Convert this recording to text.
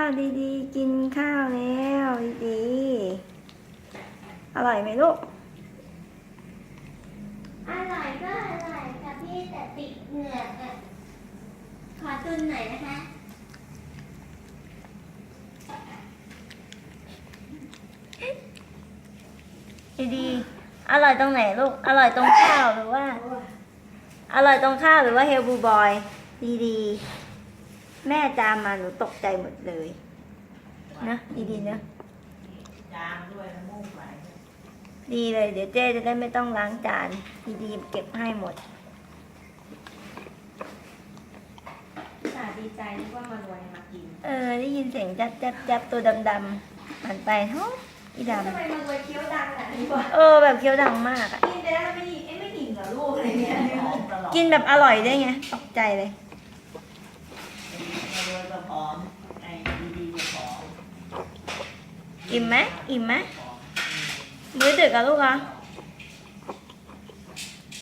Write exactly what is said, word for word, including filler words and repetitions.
ดีๆกินข้าวแล้วดีๆอร่อยไหมลูกอร่อยก็อร่อยค่ะพี่แต่ติดเหงือกอ่ะขอตุนหน่อยนะคะดีๆอร่อยตรงไหนลูกอร่อยตรงข้าวหรือว่าอร่อยตรงข้าวหรือว่าเฮลบูบอยดีๆแม่จามมาหนูตกใจหมดเลยนะดีๆนะจามด้วยน้ำมูกไหลดีเลยเดี๋ยวเจ๊จะได้ไม่ต้องล้างจานดีๆเก็บให้หมดสาดีใจนึกว่ามารวยมากินเออได้ยินเสียงจับจับจับตัวดำๆหันไปเฮ้ยอีดำทำไมมารวยเคี้ยวดังอ่ะดีกว่าเออแบบเคี้ยวดังมากอ่ะกินไปแล้วไม่อิ่มเอ้ไม่อิ่มเหรอลูกอะไรเงี้ยหอมตลอดกินแบบอร่อยได้ไงตกใจเลยรวยก็พร้อมไอ้ดีๆก็พร้อมอิ่มไหมอิ่มไหมมื้อดึกอะลูกเหรอพ